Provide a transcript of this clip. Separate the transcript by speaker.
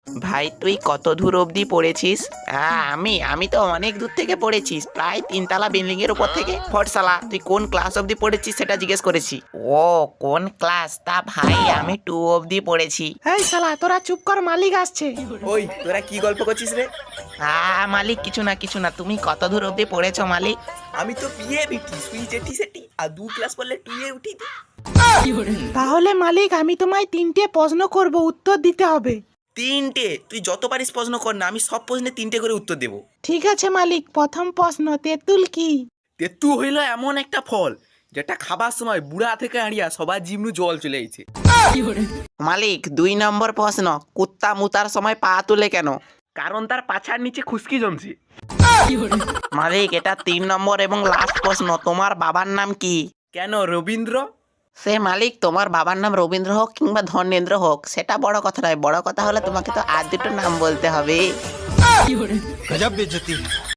Speaker 1: ভাই তুই কত দূর অবধি পড়েছিস? হ্যাঁ আমি তো অনেক দূর থেকে পড়েছিস, প্রায় 3 তলা বিল্ডিং এর উপর থেকে। ফটসালা, তুই কোন ক্লাস অবধি পড়েছিস সেটা জিজ্ঞেস করেছি। ও, কোন ক্লাস? তা ভাই আমি 2 অবধি পড়েছি।
Speaker 2: এই শালা তোরা চুপ কর, মালিক আসছে।
Speaker 3: ওই তোরা কি গল্প করছিস রে?
Speaker 1: মালিক কিছু না, তুমি কত দূর অবধি পড়েছো মালিক?
Speaker 3: আমি তো বিয়ে বিটি সুই জেটি সেটি আর 2 ক্লাস পড়লে টুয়ে উঠি।
Speaker 2: তাহলে মালিক আমি তোমায় 3টে প্রশ্ন করব, উত্তর দিতে হবে।
Speaker 3: 3টে? তুই যত পারিস প্রশ্ন কর না, আমি সব প্রশ্নে 3টে করে উত্তর দেবো।
Speaker 2: ঠিক আছে মালিক, প্রথম প্রশ্ন, তেঁতুল কি?
Speaker 3: তেতু হইল এমন একটা ফল যেটা খাবার সময় বুড়া থেকে আড়িয়া সবার জিমনু জল চলে আইছে।
Speaker 1: মালিক 2 নম্বর প্রশ্ন, কুত্তা মুতার সময় পা তুলে কেন?
Speaker 3: কারণ তার পাছার নিচে খুশকি জমছে।
Speaker 1: মালিক এটা 3 নম্বর এবং লাস্ট প্রশ্ন, তোমার বাবার নাম কি?
Speaker 3: কেন, রবীন্দ্র?
Speaker 1: সে মালিক তোমার বাবার নাম রবীন্দ্র হোক কিংবা ধর্মেন্দ্র হোক, সেটা বড় কথা নয়, বড় কথা হলে তোমাকে তো আর দুটো নাম বলতে হবে।